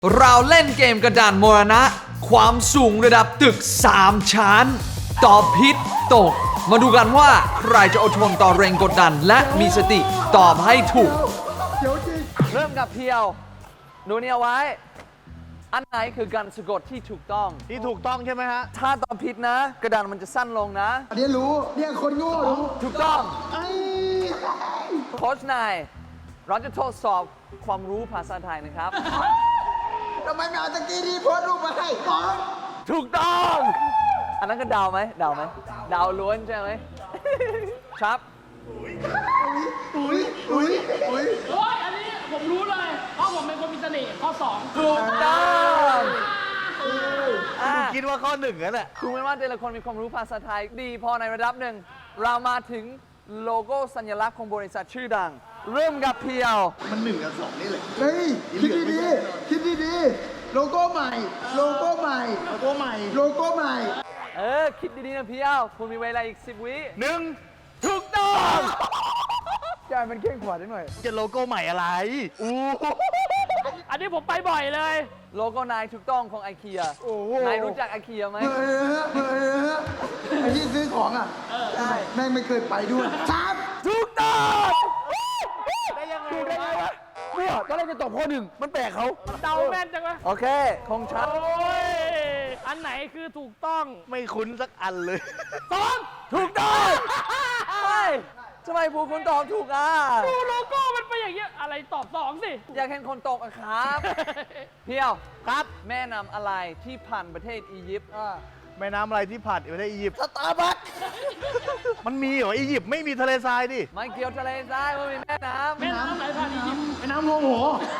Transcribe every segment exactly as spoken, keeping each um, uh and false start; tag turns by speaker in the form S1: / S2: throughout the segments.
S1: เราเล่นเกมกระดานมรณะความสูงระดับตึกสามชั้นตอบผิดตกมาดูกันว่าใครจะอดทนต่อแรงกดดันและมีสติตอบให้ถูกเริ่มกับเพียวดูเนี่ยไว้อันไหนคือการสะกดที่ถูกต้อง
S2: ที่ถูกต้องใช่ไหมฮะ
S1: ถ้าตอบผิดนะ กระดานมันจะสั้นลงนะ
S3: อันนี้รู้เนี่ยคนโง่รู้
S1: ถูกต้อง
S3: ไอ้
S1: โค้ชนายเราจะทดสอบความรู้ภาษาไทยนะครับ
S3: ทำไมไม่เอาตะกี้ที่โพสต์รูปมาให้บอก
S1: ถูกต้อง อันนั้นก็เดาไหมเดาไหมเดาล้วนใช่ไหม ครับ
S3: อุ้ยอุ้ยอุ้ย
S4: โอ้ยอันนี้ผมรู้เลย เพราะผมเป็นคนมีเสน่ห์ข้อสอง
S1: ถูกต้องอ่ะ
S2: คิดว่าข้อหนึ่งนั่นแหละ
S1: ดูเหมือนว่าแต่ละคนมีความรู้ภาษาไทยดีพอในระดับหนึ่ง เรามาถึงโลโก้สัญลักษณ์ของบริษัทชื่อดัง เริ่มกับเพียว
S2: มันหนึ่งกับสองนี่แหละ
S3: เฮ้ยคิดดีๆคิดดีๆโลโก้ใหม่ โลโก้ใหม่
S2: โลโก้ใหม่
S3: โลโก้ใหม่
S1: เออ คิดดีๆนะเพียว คุณมีเวลาอีกสิบวิ
S2: หนึ่ง
S1: ถูกต้อง
S3: ใจมันเข่งขวาได้หน่อย
S2: จะโลโก้ใหม่อะไร อู้
S4: อันนี้ผมไปบ่อยเลย
S1: โลโก้นายถูกต้องของไอเคีย
S3: โอ้โห
S1: นายรู้จักไอเคียไหม
S3: เออเออไอ้ที่ซื้อของอ่ะใช่แม่งไม่เคยไปด้วยครับ
S1: ถูกต้อง
S2: ได้ยังไง
S1: ถูกได้ไงวะเนี่ยตอนแรกจะตอบข้อหนึ่งมันแปลกเขา
S4: เดาแม่นจังวะ
S1: โอเคของฉัน
S4: โอ้ย อันไหนคือถูกต้อง
S2: ไม่คุ้นสักอันเลย
S4: สอง
S1: ถูกต้องเฮ้ยทำไมผู้คุณตอบถูกอ่ะ
S4: ดูโลโก้มันเป็นอย่างเงี้ย อะไรตอบสองสิ
S1: อยากเห็นคนตกอะครับ เพียวครับ แม่นำอะไรที่ผ่านประเทศอียิปต์
S2: แม่น้ำอะไรที่ผ่านประเทศอียิปต์สตาร์บัคมันมีเหรอ อียิปต์ไม่มีทะเลทรายดิ
S1: ไม่เกี่ยวทะเลทรายมันมีแม่น้ำ
S4: แม่น้ำไหนผ่านอียิปต์
S3: ไอ้น้ำโมโห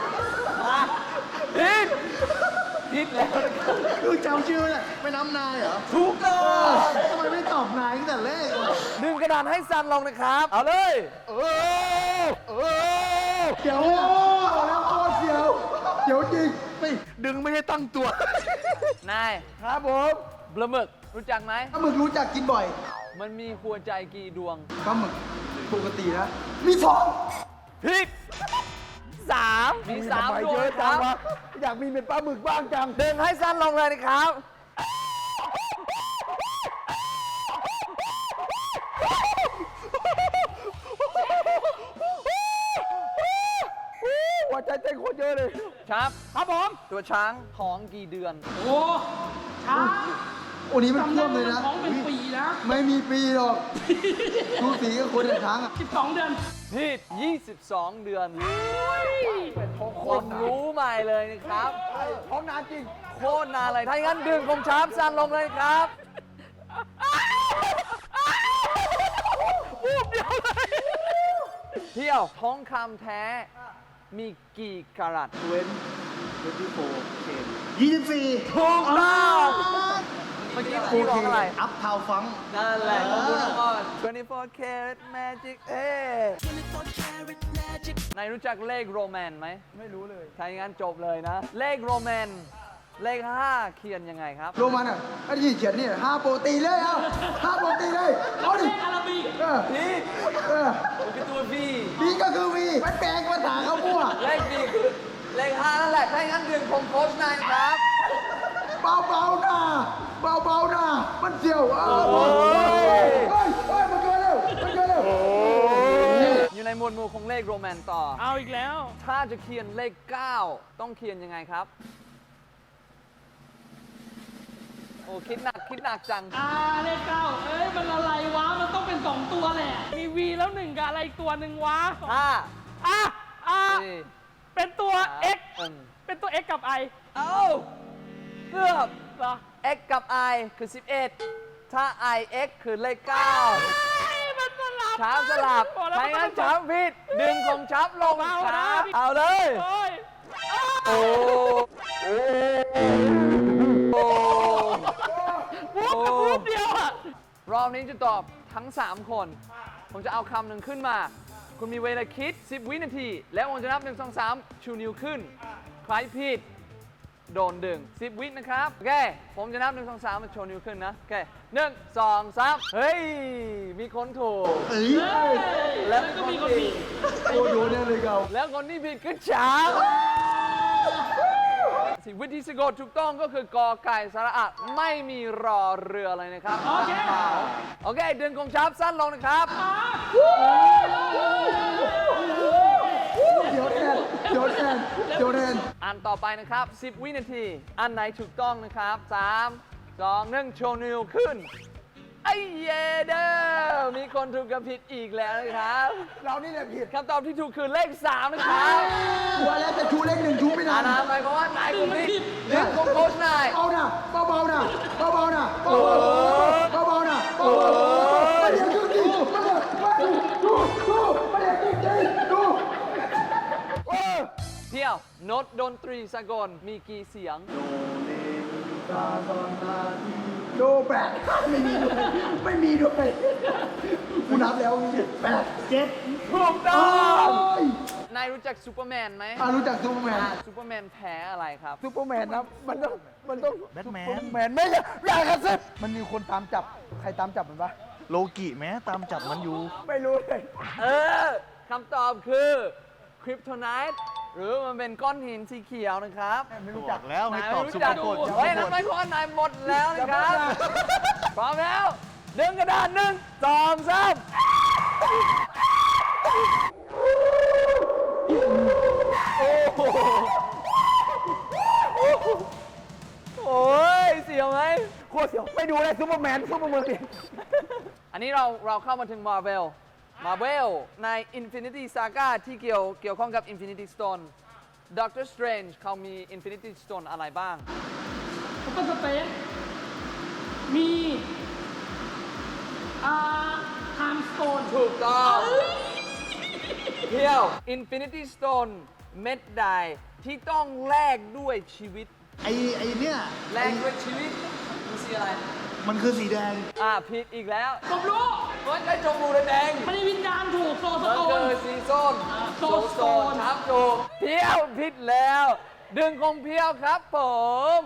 S1: ผิดผิดแล้ว
S3: คือจำชื่อเนี่ยไม่น้ำนายเหรอ
S1: ถูกต้อง
S3: ทำไมไม่ตอบนายตั้งแต่แรก
S1: ดึงกระดานให้สั้นลงนะครับ เอาเลย
S2: เออเออ
S3: เดี๋ยวแล้วโคตรเสียวเดี๋ยวจริง
S2: ไม่ดึงไม่ให้ตั้งตัว
S1: นาย
S3: ครับผม
S1: ปลาหมึกรู้จักไหม
S3: ปลาหมึกรู้จักกินบ่อย
S1: มันมีหัวใจกี่ดวง
S3: ปลาหมึกปกตินะมีสอง
S1: ผิดสามมีสามดวงครับ
S3: อยากมีเป็นปลาหมึกบ้างจัง
S1: ดึงให้สั้นลงเลยนะครับ
S3: หัวใจเต้นโคตรเยอะเลย
S1: ครับ
S4: ครับผม
S1: ตัวช้างท้องกี่เดือน
S4: โอ้ช้า
S3: โอ้นี้มันท่วมเลยนะ
S4: ท้องเป็นปีนะ
S3: ไม่มีปีหรอกดูสีกับคนในช้างอ่ะ
S4: สิบสองเดือน
S1: ผิดยี่สิบสองเดือน
S4: เป็นท้อง
S1: คนรู้ใหม่เลยนะครับ
S3: ท้องนานจริง
S1: โคตรนานเลย ถ้าอย่างนั้นดึงของช้างสั้นลงเลยครับวูบเดียวเลยเที่ยวทองคำแท้มีกี่กะรัต
S3: เว้นเว้นที่โฟเคนยี่สิบสี่
S1: ถูกต้องเมื่อกี้พี่บอกอะไร
S3: อัพทาวฟัง
S1: นั่นแหละขอบคุณมากtwenty-four karat magic เอ๊นายรู้จักเลขโรแมนไหม
S3: ไม่รู้เลย
S1: ถ้าอย่างนั้นจบเลยนะ เลขโรแมน เลขห้าเขียนยังไงครับ
S3: โรมันอ่ะไอ้ที่เขียนนี่ห้าโปรตีเลยเอาห้าโปรตีเลยเอาดิ
S4: เลขอาราบิก
S3: เออ
S1: พี่
S3: เออ
S1: มันคือตัว V
S3: วีก็คือวีไปแปลงภาษาเขามั่ว
S1: เลข V คือเลขห้านั่นแหละ ถ้าอย่างนั้นดึงของโค้ชนายครับ
S3: เบาเบาๆนะเบาเบาๆนะมันเสียวเออ
S1: โอ้ย
S3: เฮ้ยเฮ้ยมันเกินแล้วมันเกินแล้ว
S1: อยู่ในหมวดหมู่ของเลขโรแมนต่อ
S4: เอาอีกแล้ว
S1: ถ้าจะเขียนเลขเก้าต้องเขียนยังไงครับ โอ้คิดหนักคิดหนักจัง
S4: อ่าเลขเก้าเอ้ย มันอะไรวะ มันต้องเป็นสองตัวแหละ มี V แล้วหนึ่งกับอะไรอีกตัวหนึ่งวะ
S1: ห้า
S4: อ่ะ อ่ะ
S1: สี่
S4: เป็นตัว X
S1: อืม
S4: เป็นตัว X กับ I
S1: เอ้าเกือบ
S4: เหรอ
S1: x กับ i คือ สิบเอ็ด ถ้า i x คือเลขเก้า
S4: ไอ้มันสลับ
S1: ช้างสลับ
S4: บอกแล้ว
S1: ไม่งั้น
S4: มั
S1: ช้างผิด ดึงของช้างลง
S4: เอา
S1: ช้า
S4: เอา
S1: เอาเลย
S4: โอ้ย
S1: โอ้โอ้
S4: วูบกับวูบเดียวอ่ะ
S1: รอบนี้จะตอบทั้ง สาม คน ผมจะเอาคำหนึ่งขึ้นมา คุณมีเวลาคิด สิบ วินาที แล้วผมจะนับ หนึ่ง สอง สาม ชูนิ้วขึ้น ใครผิด โดนดึง สิบ วินะครับ โอเค ผมจะนับ หนึ่ง สอง สาม มาโชว์นิ้วขึ้นนะ โอเค หนึ่ง สอง สาม เฮ้ย มีคนถูก
S3: เอ้ย
S1: แล้ว
S4: ก็
S1: คน
S4: มีคน
S1: ผิ
S4: ผิ
S1: ด
S4: ด
S3: โอ้โหเนี่ยเลยเกา
S1: แล้วคนที่ผิดคือช้างสิบวิธีสะกดถูกต้องก็คือกอไก่สระอะไม่มีรอเรือเลยนะครับ
S4: โอเค
S1: โอเคดึงกงชับสั้นลงนะครับ
S3: เดี๋ยวแทนเดี๋ยวแทนเดี๋ยวแทน
S1: อันต่อไปนะครับ สิบ วินาที อันไหนถูกต้องนะครับ สาม สอง หนึ่ง โชว์นิ้วขึ้น ไอ้เยเดอร์มีคนถูกกับผิดอีกแล้วนะครับ
S3: เรานี่แหละผิด
S1: คำตอบที่ถูกคือเลข สาม นะครับ
S3: ว่าแล้วจะชูเลขหนึ่งชูไม่
S1: อา
S3: ได้
S1: นาหมายความว่านายคุณผิดเรื่องของโค้ชนาย
S3: เอานะเบาๆนะเบาๆนะเบาๆเบาๆนะเบาๆไม่เดี๋ยวดูดิไม่เดี๋ยวไม่ดูดูดูไม่เดี๋ยวจริงๆดู
S1: เที่ยวโน้ตดนตรีสากลมีกี่เสียง
S3: โดแปดไม่มีด้วยไม่มีด้วยกูนับแล้วแปดเจ็ด
S1: ถูกต้
S3: โอ้
S1: อง
S3: ย
S1: นายรู้จักซูเปอร์แมนไหม
S3: อ่ะรู้จักซูเปอร์แมน
S1: ซูเปอร์แมนแพ้อะไรครับ
S3: ซูเปอร์แมนนะมันต้องมันต้อง
S2: แบทแมน
S3: ซูเปอร์แมนไม่ใช่อย่ากระซิบมันมีคนตามจับใครตามจับมันปะ
S2: โลกิแม้ตามจับมันอยู่
S3: ไม่รู้เลย
S1: เออคำตอบคือคริปโทไนท์หรือมันเป็นก้อนหินสีเขียวนะครับ
S3: ไม่
S2: บ
S3: รู้
S2: อ
S3: จัก
S2: กแล้วให้
S1: นาย
S2: ตอบ
S1: ไม่
S2: สุ
S1: รู้
S2: ภ
S1: จัก
S2: พจน์
S1: เฮ้ยนั่นหมายความว่านายหมดแล้วนะครับ พร้อมแล้วดึงกระดานหนึ่งสองสามโอ้โหโอ้ยเสียวไหม
S3: โคตรเสียวไม่ดูเลยซูเปอร์แมนซูเปอร์แมน
S1: อันนี้เราเราเข้ามาถึง Marvel Marvel ใน Infinity Saga ที่เกี่ยวเกี่ยวข้องกับ Infinity Stone Doctor Strange เขามี Infinity Stone อะไรบ้าง
S4: ซุปเปอร์สเปซมีอ่าไทม์สโตน
S1: ถูกต้องเที่ยว Infinity Stone เม็ดใดที่ต้องแลกด้วยชีวิต
S2: ไอไอเนี่ย
S1: แลกด้วยชีวิตมีสีอะไร
S2: มันคือสีแดง
S1: อ่าผิดอีกแล้ว
S4: ผมรู้
S1: มันก็จมูกแดง
S4: มันมีวิญญาณถูกโซส
S1: มัน
S4: โต
S1: คื
S4: น
S1: อสีโซน
S4: โซโซน
S1: ครับถูกเพียวผิดแล้ว ดึงของเพียวครับผม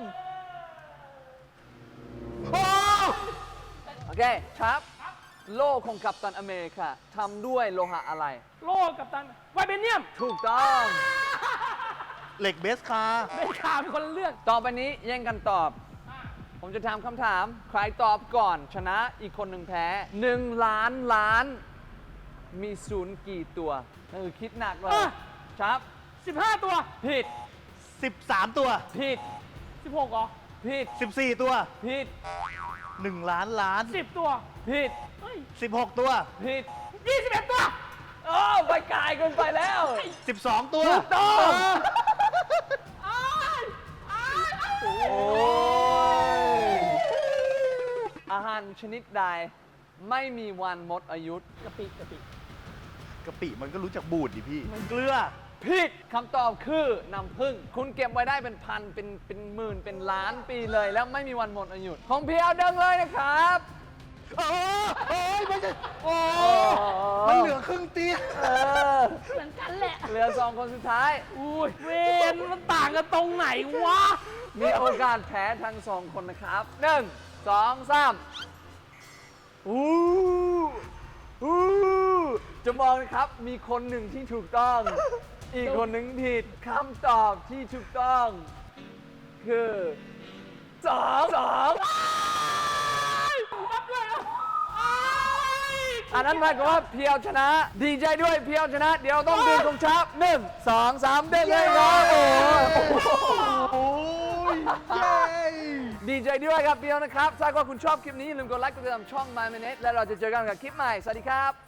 S1: โอเคครับ โล่ของกัปตันอเมริกาทำด้วยโลหะอะไร
S4: โลกกับตันไวเบเนียม
S1: ถูกต้อง
S2: เหล็กเบสคาร์
S4: ไม่ข่าวเป็นคนละเรื่อง
S1: ต่อไปนี้แย่งกันตอบ ผมจะถามคำถาม ใครตอบก่อนชนะอีกคนหนึ่งแพ้หนึ่งล้านล้าน มีศูนย์กี่ตัวเออคิดหนักเลย
S4: อ่ะ
S1: ครับ
S4: สิบห้าตัว
S1: ผิด
S2: สิบสามตัว
S1: ผิด
S4: สิบหกเหรอ
S1: ผิด
S2: สิบสี่ตัว
S1: ผิด
S2: หนึ่งล้านล้าน
S4: สิบตัว
S1: ผิด
S4: เฮ้ย
S2: สิบหกตัว
S1: ผิด
S4: ยี่สิบเอ็ดตัว
S1: โอ้ไปไกลเกินไปแล้ว
S2: สิบสองตัว
S1: ถูกต้อง
S4: อ้ายอ้ายอ้าย
S1: โอ้ยอาหารชนิดใดไม่มีวันหมดอายุ
S4: กะปิกะปิ
S2: กะปิมันก็รู้จักบูดดิพี่ เกลือ
S1: ผิดคำตอบคือน้ำผึ้งคุณเก็บไว้ได้เป็นพันเป็นเป็นหมื่นเป็นล้านปีเลย แล้วไม่มีวันหมดอายุของเพียวดังเลยนะครับ
S2: โอ้โอ้ยไม่ใช่โอ้
S1: มัน
S2: มันเหลือครึ่งเตียง
S1: เออ
S4: เหมือนกันแหละ
S1: เหลือสองคนสุดท้าย
S4: อุ้ยเวนมันต่างกันตรงไหนวะ
S1: มีโอกาสแพ้ทั้งสองคนนะครับหนึ่งสองสามอู้อู้จะมองนะครับ มีคนหนึ่งที่ถูกต้อง อีกคนหนึ่งผิดคำตอบที่ถูกต้อง คือสองสอง
S4: รับเลยอ่ะอ้าย
S1: อันนั้นหมายความว่าเพียวชนะ ดีใจด้วยเพียวชนะ เดี๋ยวต้องดึงธงชาติหนึ่งสองสามได้เลยครับโอ้โห
S2: โอ้ยเย้
S1: ดีใจด้วยครับเพียวนะครับถ้าว่าคุณชอบคลิปนี้อย่าลืมกดไลค์กดติดตามช่อง My Minute และเราจะเจอกันกับคลิปใหม่ สวัสดีครับ